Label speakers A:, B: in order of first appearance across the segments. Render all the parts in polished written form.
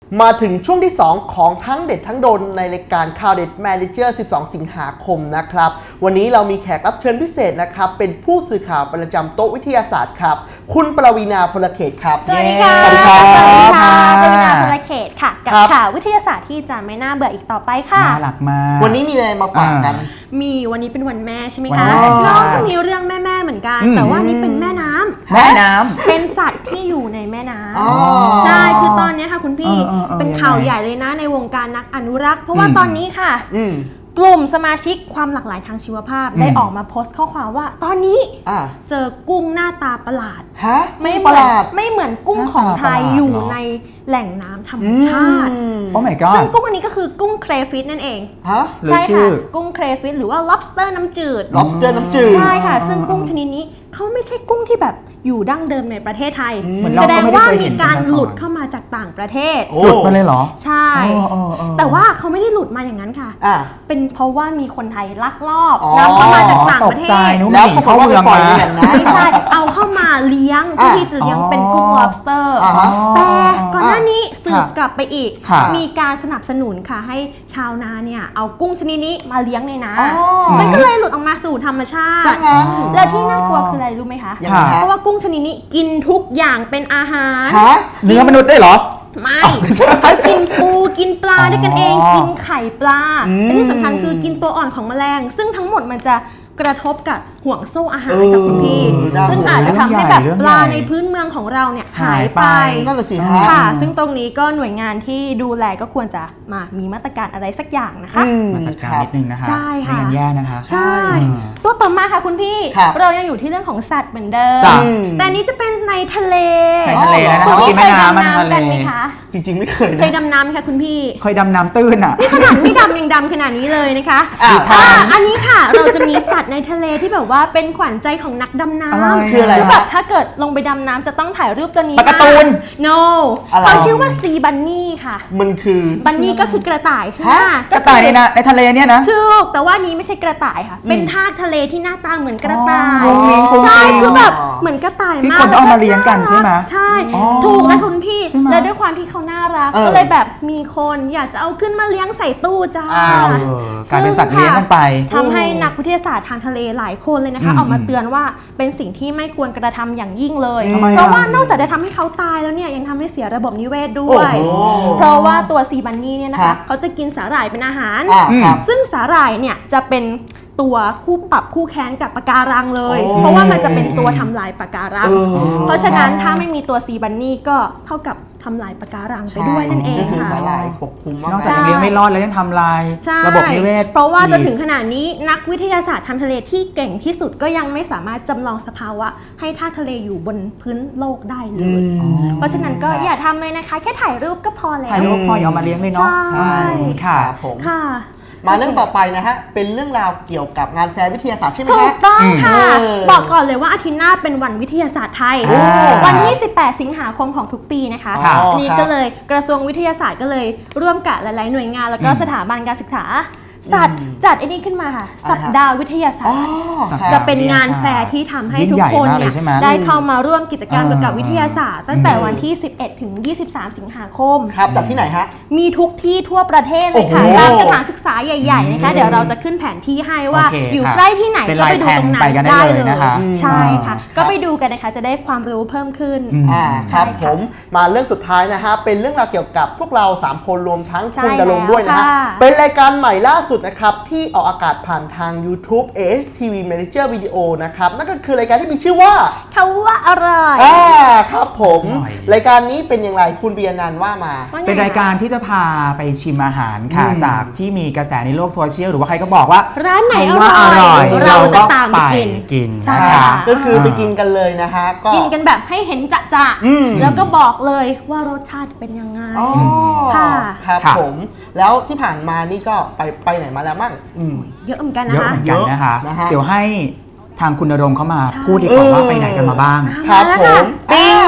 A: มาถึงช่วงที่ 2 ของทั้งเด็ดทั้งโดนในรายการข่าวเด็ด Manager 12 สิงหาคมนะครับวันนี้เรามีแขกรับเชิญพิเศษนะครับเป็นผู้สื่อข่าวประจำโต๊ะวิทยาศาสตร์ครับคุณปวีณา พลเขตครับ
B: สวัสดีค่ะสวัสดีค่ะปวีณา พลเขตค่ะกับข่าววิทยาศาสตร์ที่จะไม่น่าเบื่ออีกต่อไปค่ะ
C: น่ารักมาก
A: วันนี้มีอะไรมาฝากกัน
B: มีวันนี้เป็นวันแม่ใช่ไหมคะน้องก็มีเรื่องแม่เหมือนกันแต่ว่านี่เป็นแม่น้ำเป็นสัตว์ที่อยู่ในแม่น้ำใช่คือตอนนี้ค่ะคุณพี่เป็นข่าวใหญ่เลยนะในวงการนักอนุรักษ์เพราะว่าตอนนี้ค่ะกลุ่มสมาชิกความหลากหลายทางชีวภาพได้ออกมาโพสต์ข้อความว่าตอนนี้เจอกุ้งหน้าตาประหลาดไม่เหมือนกุ้งของไทยอยู่ในแหล่งน้ำธรรมชาติ
C: โอ้ my god
B: ซึ่งกุ้งอันนี้ก็คือกุ้งเครฟิชนั่นเองใช่ค่ะกุ้งเครฟิชหรือว่า lobster น้ำจืดใช่ค่ะซึ่งกุ้งชนิดนี้เขาไม่ใช่กุ้งที่แบบอยู่ดั้งเดิมในประเทศไทยแสดงว่ามีการหลุดเข้ามาจากต่างประเทศ
C: หลุดมาเลยเหรอ
B: ใช่แต่ว่าเขาไม่ได้หลุดมาอย่างนั้นค่ะเป็นเพราะว่ามีคนไทยลักลอบนำเข้ามาจากต่างประเทศ
C: แล้วเขาเมืองมา
B: ไม่ใช่เอาเข้ามาเลี้ยงที่จะเลี้ยงเป็นกุ้ง lobster แต่ก่อนหน้านี้สืบกลับไปอีกมีการสนับสนุนค่ะให้ชาวนาเนี่ยเอากุ้งชนิดนี้มาเลี้ยงในน้ำมันก็เลยหลุดออกมาสู่ธรรมชาติและที่น่ากลัวคืออะไรรู้ไหมคะเพราะว่ากุ้งชนิดนี้กินทุกอย่างเป็นอาหาร
C: เนื้อมนุษย์ได้เหรอ
B: ไม่เขากินปูกินปลาด้วยกันเองกินไข่ปลาและที่สำคัญคือกินตัวอ่อนของแมลงซึ่งทั้งหมดมันจะกระทบกับห่วงโซ่อาหารกับคุณพี่ซึ่งอาจจะทำให้แบบปลาในพื้นเมืองของเราเนี่ยหายไป
A: นั่นแหละสิ
B: ค่ะซึ่งตรงนี้ก็หน่วยงานที่ดูแลก็ควรจะมามีมาตรการอะไรสักอย่างนะคะ
C: มาจัดการนิดนึงนะคะ
B: ใช่ค่ะ
C: ไม่งั้นแย่นะคะ
B: ใช่ตัวต่อมาค่ะคุณพี่เรายังอยู่ที่เรื่องของสัตว์เหมือนเดิมแต่นี้จะเป็นในทะเล
C: แล้วนะ
B: คุณพี่เคยดำน้ำกันไหมคะ
A: จริงๆไม่เคย
B: ดำน้ำค่ะคุณพี่
C: เคยดำน้ำตื้นอ่ะ
B: นี่ขนาดไม่ดำยังดำขนาดนี้เลยนะคะอันนี้ค่ะเราจะมีสัตว์ในทะเลที่แบบว่าเป็นขวัญใจของนักดำน้ำ
A: คืออะไร
B: แบบถ้าเกิดลงไปดำน้ำจะต้องถ่ายรูปตัวนี้
C: ปลาการ์ตูน
B: no เขาชื่อว่าซีบันนี่ค่ะ
A: มันคือ
B: บันนี่ก็คือกระต่ายใช่ไหม
C: กระต่ายในทะเลเนี่ยนะ
B: ถูกแต่ว่านี้ไม่ใช่กระต่ายค่ะเป็นทากทะเลที่หน้าตาเหมือนกระต่ายใช่คือแบบเหมือนกระต่ายมาก
C: ที่คนเอามาเลี้ยงกันใช่ไหม
B: ใช่ถูกแล้วคุณพี่และด้วยความที่เขาน่ารักก็เลยแบบมีคนอยากจะเอาขึ้นมาเลี้ยงใส่ตู้จ้าก
C: ลายเป็นสัตว์เลี้ยงกันไป
B: ทำให้นักวิทยาศาสตร์ทางทะเลหลายคนเลยนะคะออกมาเตือนว่าเป็นสิ่งที่ไม่ควรกระทำอย่างยิ่งเลยเพราะว่านอกจากจะทำให้เขาตายแล้วเนี่ยยังทำให้เสียระบบนิเวศด้วยเพราะว่าตัวซีบันนี่เนี่ยนะคะเขาจะกินสาหร่ายเป็นอาหารซึ่งสาหร่ายเนี่ยจะเป็นตัวคู่ปรับคู่แค้นกับปะการังเลยเพราะว่ามันจะเป็นตัวทำลายปะการังเพราะฉะนั้นถ้าไม่มีตัวซีบันนี่ก็เท่ากับทำลายปะการังไปด้วยนั่นเองค่ะ
A: สาหร่ายปกคลุม
C: นอกจากเลี้ยงไม่รอดแล้วยังทำลายระบบนิเวศ
B: เพราะว่าจนถึงขนาดนี้นักวิทยาศาสตร์ทางทะเลที่เก่งที่สุดก็ยังไม่สามารถจำลองสภาวะให้ทากทะเลอยู่บนพื้นโลกได้เลยเพราะฉะนั้นก็อย่าทำเลยนะคะแค่ถ่ายรูปก็พอแล้ว
C: ถ่ายรูปพออย่ามาเลี้ยงเลยเนาะ
B: ใช่
C: ค่ะ
A: ผมมาเรื่องต่อไปนะฮะเป็นเรื่องราวเกี่ยวกับงานแฟร์วิทยาศาสตร์ใช่ไหม
B: ถูกต้องค่ะบอกก่อนเลยว่าอาทิตย์หน้าเป็นวันวิทยาศาสตร์ไทยวันที่18สิงหาคมของทุกปีนะคะนี่ก็เลยกระทรวงวิทยาศาสตร์ก็เลยร่วมกับหลายๆหน่วยงานแล้วก็สถาบันการศึกษาสัตว์จัดไอ้นี่ขึ้นมาค่ะสัปดาห์วิทยาศาสตร์จะเป็นงานแฟร์ที่ทำให้ทุกคนเนี่ยได้เข้ามาร่วมกิจกรรมเกี่ยวกับวิทยาศาสตร์ตั้งแต่วันที่11ถึง23สิงหาคม
A: ครับจัดที่ไหนฮะ
B: มีทุกที่ทั่วประเทศเลยค่ะตามสถานศึกษาใหญ่ๆนะคะเดี๋ยวเราจะขึ้นแผนที่ให้ว่าอยู่ใกล้ที่ไหนก็ไปดูตรงนั้นได้เลยนะคะใช่ค่ะก็ไปดูกันนะคะจะได้ความรู้เพิ่มขึ้น
A: ครับผมมาเรื่องสุดท้ายนะฮะเป็นเรื่องราวเกี่ยวกับพวกเรา3คนรวมทั้งคุณดลงด้วยนะฮะเป็นรายการใหม่ล่าสุดนะครับที่ออกอากาศผ่านทาง YouTube AHTV Manager Video นะครับนั่นก็คือรายการที่มีชื่อว่า
B: เขาว่าอะไร
A: ครับผมรายการนี้เป็นอย่างไรคุณเบียร์นันว่ามา
C: เป็นรายการที่จะพาไปชิมอาหารค่ะจากที่มีกระแสในโลกโซเชียลหรือว่าใครก็บอกว่า
B: ร้านไหนอร่อยเราจะตามไป
C: กิน
A: นะคะก็คือไปกินกันเลยนะฮะ
B: กินกันแบบให้เห็นจะแล้วก็บอกเลยว่ารสชาติเป็นยังไง
A: ค่ะครับผมแล้วที่ผ่านมานี่ก็ไปไหนมาแล้วมั่ง
B: เยอะเหมือนกันนะคะ
C: เยอะเหมือนกันนะคะเดี๋ยวให้ทางคุณณรงค์เข้ามาพูดดีกว่าว่าไปไหนกันมาบ้าง
A: ครับผม
B: ปิ้ง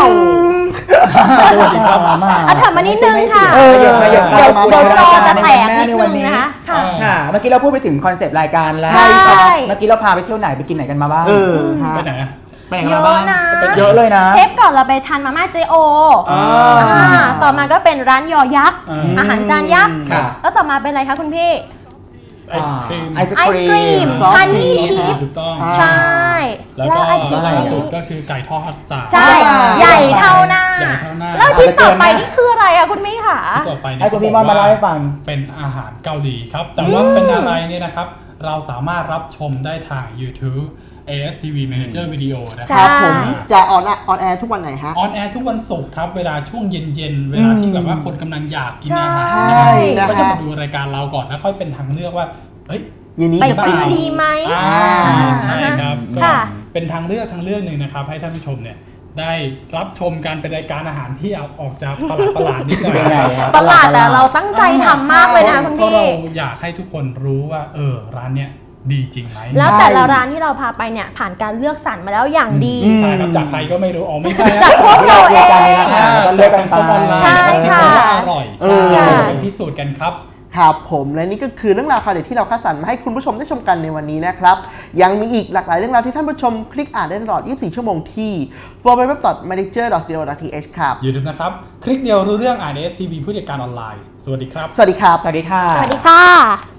B: ถามมานิดนึงค่ะเดี๋ยวจอจะแตกนิดนึงนะคะ
C: เมื่อกี้เราพูดไปถึงคอนเซปต์รายการแล้วเมื่อกี้เราพาไปเที่ยวไหนไปกินไหนกันมาบ้าง
D: ไปไหน
C: ไปไหนกันบ้าง
B: เยอะนะ
C: เยอะเลยนะ
B: เทปก่อนเราไปทานมาม่าเจโอต่อมาก็เป็นร้านยอยักษ์อาหารจานยักษ์แล้วต่อมาเป็นอะไรคะคุณพี่
D: ไอศครีม
B: ไอศครีมฮันนี่ชีส
D: ถูกต้อง
B: ใช่
D: แล้วก็ล่าสุดก็คือไก่ทอดฮัสตาร์
B: ใช่ใหญ่เท่าหน้าแล้วที่ต่อไปนี่คืออะไรอะคุณพี่ค่ะ
D: ที่ต่อไป
C: ให้คุณพี่มอนมาเล่าให้ฟัง
D: เป็นอาหารเกาหลีครับแต่ว่าเป็นอะไรเนี่ยนะครับเราสามารถรับชมได้ทาง YouTube ASTV Manager Video
A: นะครับผมจะออนแอร์ทุกวันไหนฮะ
D: ออนแอร์ทุกวันศุกร์ครับเวลาช่วงเย็นๆเวลาที่แบบว่าคนกำลังอยากกินอาหารก็จะมาดูรายการเราก่อนแล้วค่อยเป็นทางเลือกว่าเฮ้ย
B: ไปกินดีไหม
D: ใช่ครับเป็นทางเลือกหนึ่งนะครับให้ท่านผู้ชมเนี่ยได้รับชมการเป็นรายการอาหารที่ออกจากประหลาดนิดหน่อย
B: ประหลาดแต่เราตั้งใจทำมากเลยนะคุณพี่
D: เราอยากให้ทุกคนรู้ว่าร้านเนี้ยดีจริงไหม
B: แล้วแต่ละร้านที่เราพาไปเนี่ยผ่านการเลือกสรรมาแล้วอย่างดี
D: ใช่ครับจากใครก็ไม่รู้ไม่ใช่
B: จากพวกเราเอง
D: เลือกสังคมออนไลน์ที่เขาว่าอร่อยเป็นพิสูจน์กันครับ
A: ครับผมและนี่ก็คือเรื่องราวข่าวเด็ดที่เราคัดสรรมาให้คุณผู้ชมได้ชมกันในวันนี้นะครับยังมีอีกหลากหลายเรื่องราวที่ท่านผู้ชมคลิกอ่านได้ตลอด 24 ชั่วโมงที่ www.manager.co.th ครับ
D: อย่าลืมนะครับคลิกเดียวรู้เรื่อง ASTV ผู้จัดการออนไลน์สวัสดีครับ
A: สวัสดีครับ
C: สวัสดีค่ะ
B: สวัสดีค่ะ